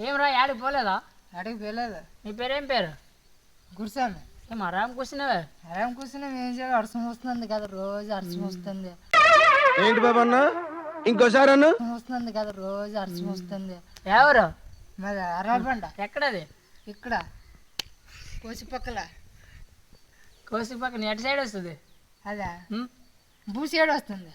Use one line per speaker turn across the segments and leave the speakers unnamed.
ఏం రా యాడికి పోలేదా?
అడిగి పోలేదు.
నీ పేరేం పేరు?
కూర్చోను.
ఏం ఆరాం కూర్చున్నావే?
ఆరాం కూర్చున్నా ఏం చేయాలి? అరసం వస్తుంది కదా రోజు, అరసం వస్తుంది.
ఏంటి బాబా అన్న ఇంకోసారి అన్న
వస్తుంది కదా రోజు, అరసం వస్తుంది.
ఎవరు?
మరి అరవబండ
ఎక్కడది?
ఇక్కడ కోసి పక్కల.
కోసి పక్కన ఎటు సైడ్ వస్తుంది?
అదా
ఉమ్?
బూసేడు వస్తుంది.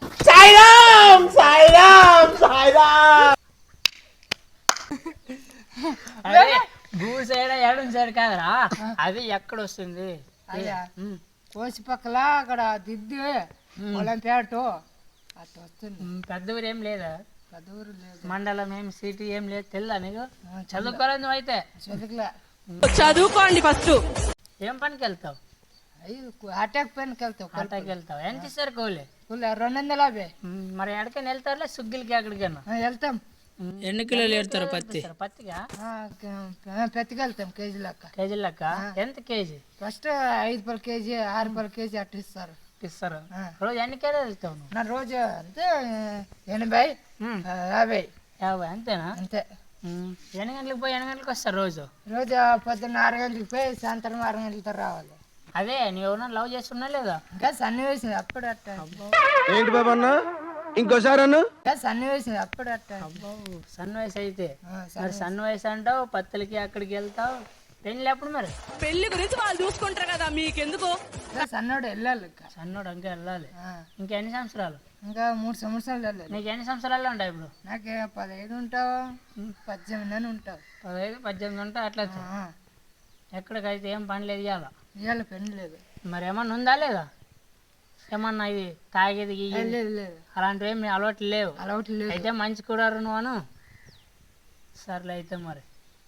అదే భూ సైడ్ ఎడం సైడ్ కాదరా, అది ఎక్కడ వస్తుంది?
అదా
ఉమ్.
కోసి పక్కల అక్కడ దిద్దు పొలం పేటు అట్లా వస్తుంది.
పెద్ద ఊరు ఏం లేదా?
పెద్ద ఊరు లేదు,
మండలం ఏం సిటీ ఏం లేదు తెల్లా నీకు? చదువుకోలేదు నువ్వు అయితే?
చదువుకులే.
చదువుకోండి ఫస్ట్.
ఏం పనికి వెళ్తావు?
అయ్యి అటాక్ పైనకి వెళ్తావు.
పంటకి వెళ్తావు. ఎంత ఇస్తారు కూలి?
250.
మరి ఎక్కడికైనా వెళ్తారులే సుగ్గిలకి ఎక్కడికైనా?
వెళ్తాం.
ఎన్ని కిలోలు ఏడతారు పత్తి? పత్తిగా
పెద్దగా వెళ్తాం కేజీ లెక్క.
కేజీ లెక్క ఎంత కేజీ?
ఫస్ట్ 5 రూపాయల కేజీ, 6 రూపాయల కేజీ అట్లా ఇస్తారు.
ఇస్తారు. రోజు ఎన్ని కిలోలు వెళ్తావు నువ్వు?
నా రోజు అంతే 80, 50.
50 అంతేనా?
అంతే.
ఎన్ని గంటలకు పోయి ఎన్ని గంటలకు వస్తారు రోజు?
రోజు పొద్దున్న 6 గంటలకు పోయి సాయంత్రం 6 గంటలతో రావాలి.
అదే నువ్వు ఎవరన్నా లవ్ చేస్తున్నా లేదా?
ఇంకా సన్నివేశం అప్పుడు అట్ట.
ఏంటి బాబా అన్న ఇంకోసారి అన్న
ఇంకా సన్నివేశం అప్పుడు అట్ట.
అబ్బో సన్ వయసు అయితే.
సన్
మరి సన్ వయసు అంటావు, పత్తులకి అక్కడికి వెళ్తావు. పెళ్ళి ఎప్పుడు మరి?
పెళ్లి గురించి వాళ్ళు చూసుకుంటారు కదా, మీకెందుకు?
ఇంకా సన్నోడు వెళ్ళాలి. ఇంకా
సన్నోడు ఇంకా వెళ్ళాలి. ఇంకెన్ని సంవత్సరాలు?
ఇంకా 3 సంవత్సరాలు వెళ్ళాలి.
నీకు ఎన్ని సంవత్సరాలు ఉంటాయి ఇప్పుడు?
నాకు 15 ఉంటావు, 18 అని ఉంటావు.
15, 18 ఉంటా అట్లా. ఎక్కడికైతే ఏం పని లేదు ఇవాళ.
ఇవాళ పెళ్లి లేదు.
మరి ఏమన్నా ఉందా లేదా? ఏమన్నా ఇది తాగేది గీగేది
లేదు లేదు,
అలాంటివి ఏమి అలవాట్లు లేవు?
అలవాటు లేదు.
అయితే మంచి కూడా నువ్వు అను. సర్లే అయితే మరి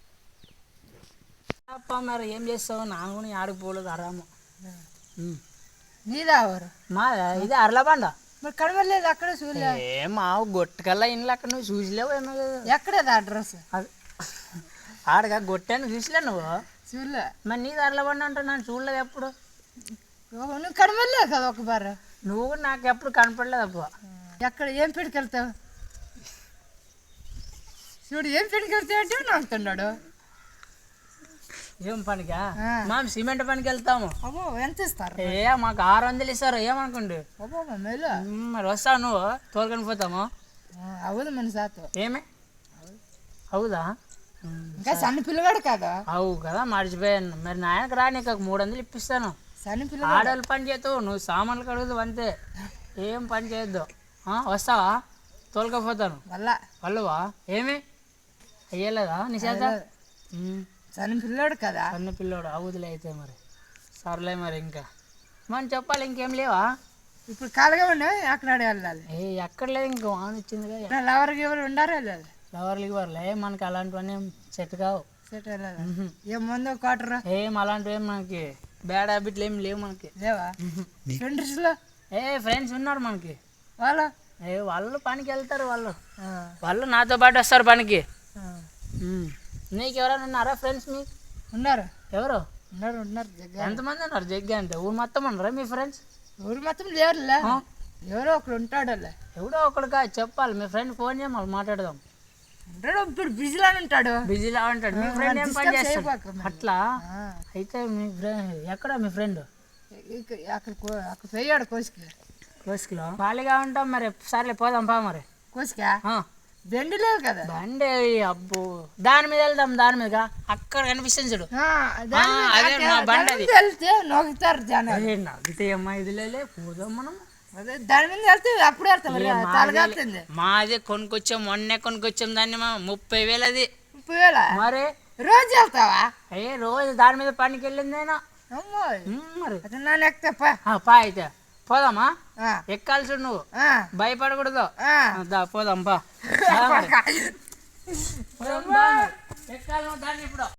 అప్ప మరి ఏం చేస్తావు? నాకు కూడా ఆడికి పోలేదు ఆరాము.
నీదా ఎవరు?
మా ఇది అర్లబండ.
మరి కనబడలేదు అక్కడ చూడలే.
ఏ మా గొట్టకల్లా ఇంట్లో అక్కడ నువ్వు చూసిలేవు ఏమో కదా.
ఎక్కడది అడ్రస్?
అది ఆడగా గొట్టాను చూసిలే నువ్వు.
చూడలే.
మరి నీది అర్లబండ అంటే నన్ను చూడలేదు ఎప్పుడు.
నువ్వు కనబడలేదు కదా ఒక బారు.
నువ్వు కూడా నాకు ఎప్పుడు కనపడలేదు అప్ప.
ఎక్కడ ఏం పెట్టుకెళ్తావు? చూడు ఏం పెట్టుకెళ్తావు అంటే నాకుతున్నాడు.
ఏం పనికా? మేము సిమెంట్ పనికి వెళ్తాము.
అబ్బో ఎంత ఇస్తారు?
మాకు 600 ఇస్తారు. ఏమనుకోండి.
అబ్బో మేలు.
మరి వస్తావు నువ్వు తోలుకొని పోతాము.
అవును మన సాతో.
ఏమే అవుదా?
ఇంకా సన్న పిల్లగాడు కదా.
అవు కదా మర్చిపోయాను. మరి నాయనకు రా, నీకు 300 ఇప్పిస్తాను.
సన్న పిల్లగాడు.
ఆడవాళ్ళు పని చేస్తావు, నువ్వు సామాన్లు కడుగుదు అంతే. ఏం పని చేయొద్దు. వస్తావా? తోలుకపోతాను. వాళ్ళవా? ఏమి అయ్యలేదా నీ చేత?
సన్న పిల్లోడు కదా.
సన్న పిల్లోడు అవుదులే అయితే మరి. సర్లే మరి ఇంకా మనం చెప్పాలి. ఇంకేం లేవా?
ఇప్పుడు కాలుగా ఉన్నాయి అక్కడ వెళ్ళాలి.
ఎక్కడ లేదు, ఇంకా వాన వచ్చిందిగా.
లవర్కి ఎవరు ఉండారు వెళ్ళాలి.
లవర్లకి వర్లే మనకి అలాంటివన్నీ సెట్ కావు.
సెట్ వెళ్ళాలి. ఏం ముందు క్వార్టర్
ఏం అలాంటివి ఏం మనకి బ్యాడ్ హ్యాబిట్లు ఏం లేవు మనకి.
లేవా? ఫ్రెండ్స్లో
ఫ్రెండ్స్ ఉన్నారు మనకి.
వాళ్ళు
పనికి వెళ్తారు. వాళ్ళు నాతో పాటు వస్తారు పనికి. నీకు ఎవరైనా ఉన్నారా ఫ్రెండ్స్? మీకు
ఉన్నారు.
ఎవరు
ఉన్నారు?
ఎంతమంది ఉన్నారు? జగ్గా అంటే ఊరు మొత్తం ఉన్నారా మీ ఫ్రెండ్స్?
ఊరు మొత్తం లేరులే, ఎవరో ఒకడు ఉంటాడు.
ఎవడో ఒకడుగా చెప్పాలి. మీ ఫ్రెండ్ ఫోన్ చేయమని మాట్లాడదాం.
ఉంటాడు ఇప్పుడు బిజీలో ఉంటాడు.
బిజీలా ఉంటాడు. మీ ఫ్రెండ్ ఏం పని చేస్తాడు? అట్లా అయితే మీ ఫ్రెండ్ ఎక్కడ? మీ ఫ్రెండ్
అక్కడ పోయాడు
కోసుకులో. ఖాళీగా ఉంటాం మరి. సర్లే పోదాం పా మరి.
కోసుకా బండి లేదు కదా.
బండి అబ్బో దాని మీద వెళ్దాం. దాని మీద అక్కడ కనిపిస్తుంది చూడు, అదే మా బండి. అది
వెళ్తే నొక్కుతారు జనాలు.
నవ్వితే అమ్మా ఇది లేలే పోదాం మనం.
అదే దాని మీద వెళ్తే అప్పుడు వెళ్తాం.
మాది కొనుక్కొచ్చాం, మొన్నే కొనుక్కొచ్చాం దాన్ని. 30,000 అది.
30,000
మరి
రోజు వెళ్తావా?
రోజు దాని మీద పనికి వెళ్ళిందేనా మరి.
నన్ను ఎక్కితే
పా అయితే పోదామా? ఎక్కాల్సి నువ్వు భయపడకూడదు. పోదాం పా. ఎక్కాలి దాన్ని ఇప్పుడు.